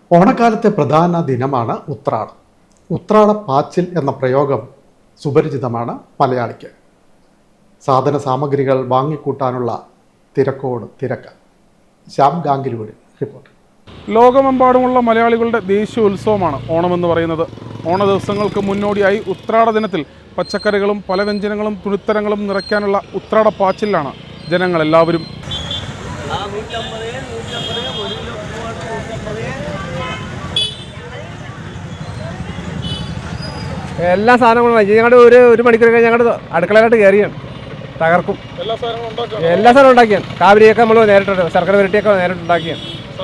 ഓണക്കാലത്തെ പ്രധാന ദിനമാണ് ഉത്രാടം. ഉത്രാടപ്പാച്ചിൽ എന്ന പ്രയോഗം സുപരിചിതമാണ് മലയാളിക്ക്. സാധന സാമഗ്രികൾ വാങ്ങിക്കൂട്ടാനുള്ള തിരക്കോട് തിരക്ക്. ശ്യാം ഗാംഗുലിയുടെ റിപ്പോർട്ട്. ലോകമെമ്പാടുമുള്ള മലയാളികളുടെ ദേശീയ ഉത്സവമാണ് ഓണമെന്ന് പറയുന്നത്. ഓണ ദിവസങ്ങൾക്ക് മുന്നോടിയായി ഉത്രാട ദിനത്തിൽ പച്ചക്കറികളും പല വ്യഞ്ജനങ്ങളും തുണിത്തരങ്ങളും നിറയ്ക്കാനുള്ള ഉത്രാടപ്പാച്ചിലാണ് ജനങ്ങളെല്ലാവരും. എല്ലാ സാധനങ്ങളും ഞങ്ങളുടെ ഒരു മണിക്കൂർ കഴിഞ്ഞ് ഞങ്ങളുടെ അടുക്കളയിലോട്ട് കയറിയാണ് തകർക്കും. എല്ലാ സാധനവും ഉണ്ടാക്കിയാണ്. കാവരിയൊക്കെ നമ്മൾ നേരിട്ട് ശർക്കര വരട്ടിയൊക്കെ നേരിട്ട് ഉണ്ടാക്കിയാണ്.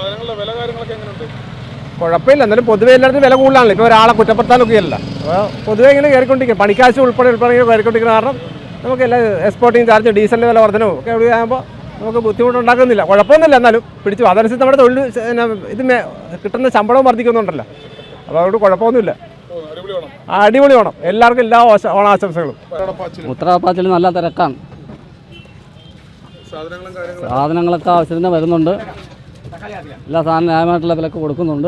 കുഴപ്പമില്ല, എന്നാലും പൊതുവെ എല്ലായിടത്തും വില കൂടുതലാണല്ലോ. ഇപ്പോൾ ഒരാളെ കുറ്റപ്പെടുത്താനൊക്കെയല്ല. അപ്പോൾ പൊതുവെ ഇങ്ങനെ കയറിക്കൊണ്ടിരിക്കും. പണിക്കാശ് ഉൾപ്പെടെ കയറിക്കൊണ്ടിരിക്കുന്ന കാരണം നമുക്ക് എല്ലാ എക്സ്പോർട്ടിങ് ചാർജ് ഡീസലിൻ്റെ വില വർധനവും ഒക്കെ എവിടെയാകുമ്പോൾ നമുക്ക് ബുദ്ധിമുട്ടുണ്ടാക്കുന്നില്ല. കുഴപ്പമൊന്നുമില്ല, എന്നാലും പിടിച്ചു. അതനുസരിച്ച് നമ്മുടെ തൊഴിൽ ഇത് കിട്ടുന്ന ശമ്പളവും വർദ്ധിക്കുന്നുണ്ടല്ലോ. അപ്പോൾ അതുകൊണ്ട് കുഴപ്പമൊന്നുമില്ല. അടിപൊളി ഓണം. എല്ലാവർക്കും എല്ലാ ഓണാശംസകളും. ഉത്രാടപ്പാച്ചിൽ നല്ല തിരക്കാണ്. സാധനങ്ങളൊക്കെ ആവശ്യത്തിന് വരുന്നുണ്ട്. എല്ലാ സാധനം ന്യായമായിട്ടുള്ള വിലക്ക് കൊടുക്കുന്നുണ്ട്.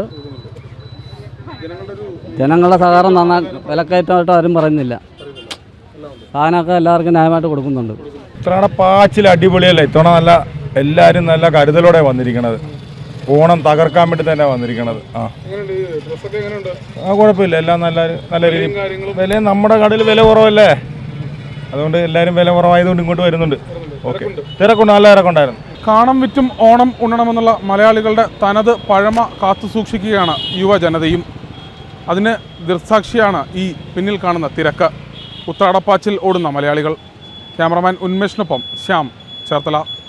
ജനങ്ങളുടെ സഹകരണം നന്നായി വിലക്കയറ്റമായിട്ട് ആരും പറയുന്നില്ല. സാധനമൊക്കെ എല്ലാവർക്കും ന്യായമായിട്ട് കൊടുക്കുന്നുണ്ട്. ഉത്രാടപ്പാച്ചിൽ അടിപൊളിയല്ലേ. ഇത്തവണ എല്ലാവരും നല്ല കരുതലോടെ വന്നിരിക്കണത്. ഓണം തകർക്കാൻ വേണ്ടി തന്നെ വന്നിരിക്കണത്. കുഴപ്പമില്ല, എല്ലാം നല്ല രീതിയിൽ. വില നമ്മുടെ കടയിൽ വില കുറവല്ലേ, അതുകൊണ്ട് എല്ലാവരും വില കുറവായതുകൊണ്ട് ഇങ്ങോട്ട് വരുന്നുണ്ട്. ഓക്കെ, തിരക്കുണ്ട്, നല്ല തിരക്കുണ്ടായിരുന്നു. കാണം വിറ്റും ഓണം ഉണ്ണണമെന്നുള്ള മലയാളികളുടെ തനത് പഴമ കാത്തു സൂക്ഷിക്കുകയാണ് യുവജനതയും. അതിന് ദൃക്സാക്ഷിയാണ് ഈ പിന്നിൽ കാണുന്ന തിരക്ക്. ഉത്രാടപ്പാച്ചിൽ ഓടുന്ന മലയാളികൾ. ക്യാമറമാൻ ഉന്മേഷിനൊപ്പം ശ്യാം, ചേർത്തല.